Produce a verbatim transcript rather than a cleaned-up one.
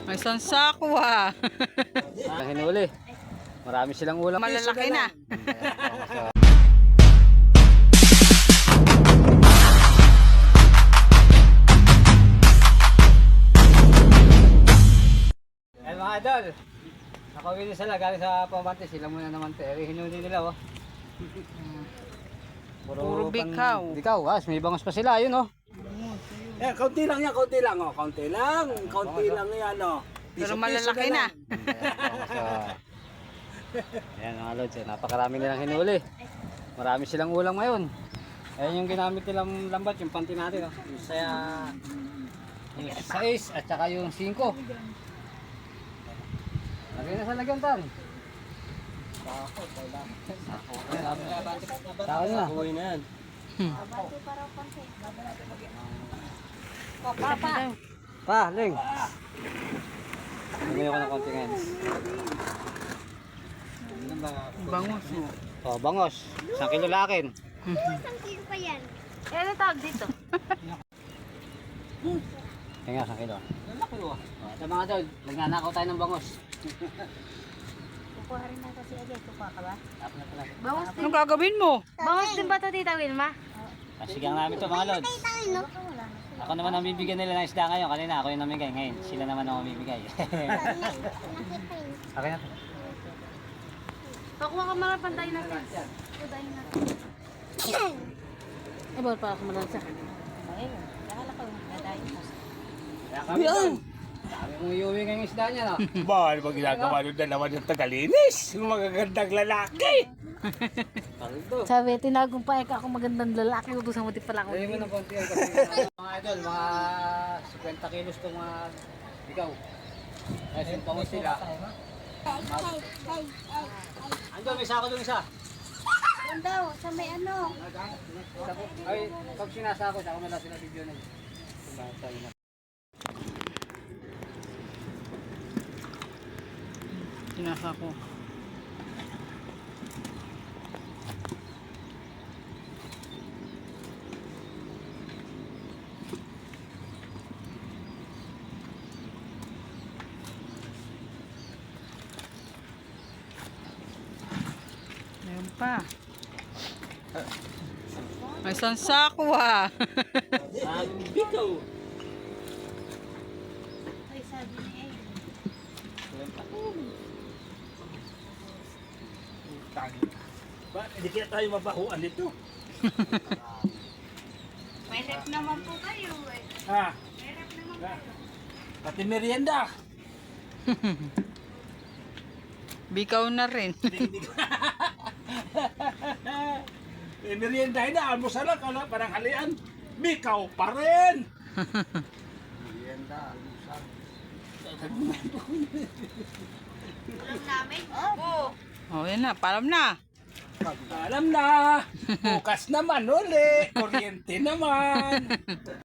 May isang sako ha. Ang hinuli. Marami silang ulam. Malalaki na. Eh mga idol, nakawin din sila galing sa Pamante. Sila muna naman te. Eh, hinuli nila oh. Puro bikaw. Bikaw, ah, may bangos pa sila, yun oh. Eh, kaunti lang yan, kaunti lang, oh. Kaunti lang, kaunti lang yan, oh. Pero Piso-piso malalaki na. lang. Ayan mga lods, eh, napakarami nilang hinuli. Marami silang ulam ngayon. Ayan yung ginamit nilang lambat, yung panty natin. Oh. Yung saya, yung sais at saka yung singko. Lagay na sa lagyan tan. Sako na. Uwi na yan. Pa, Ling. Lagay ko ng konti ngayon. Bangus. Oh, bangos. Isang kilo lakin. Isang kilo pa yan. Eh, ano tawag dito? Kaya nga, isang kilo. Oh, ito mga tol, nagnanakaw tayo ng bangos. Kukuha rin na kasi agad. Kukuha ka ba? Tapos na pala. Bangus din. Anong gagawin mo? Bangus din ba ito, Tita Wilma? Kasigang namin to mga lods. Tayo, no? Ako naman ang bibigyan nila ng isda ngayon. Kanina ako yung namigay. Ngayon, sila naman ang mamibigay. Akin na to. Pakuha ka mga pantay natin. Pantay natin. Eh, bawal pa ako malansa. Ayun. Nakala ko. Nadayo mo. Kaya kami doon. Sabi kong iuwi ngayong isda niya no. Ba, ano ba ginagawa nung dalawa ng tagalinis? Yung magagandang lalaki. Paldo. Sabi, tinagong pa ako magandang lalaki. Ubusan mo din pala ako. Lagyan mo ng konti yan kasi mga idol, mga fifty kilos itong mga ikaw. Kasi yung pangos sila. Ando, may sako doon isa. Yan daw. Sa may ano. Ay, pag sinasako, sako na lang sila video na. Sinasa ko. Meron pa. May isang sako ha. Bikaw. Ay, sabi niya eh. Ba, hindi kaya tayo mabahuan dito. May rep naman po kayo eh. Ha? May rep naman Ha? kayo. Pati merienda. Bikaw na rin. Eh, merienda na, almusal lang, kala, parang halian. Bikaw pa rin. Alam namin? Oo. Oh, yan na. Paalam na. Alam na. Bukas naman uli. Kuryente naman.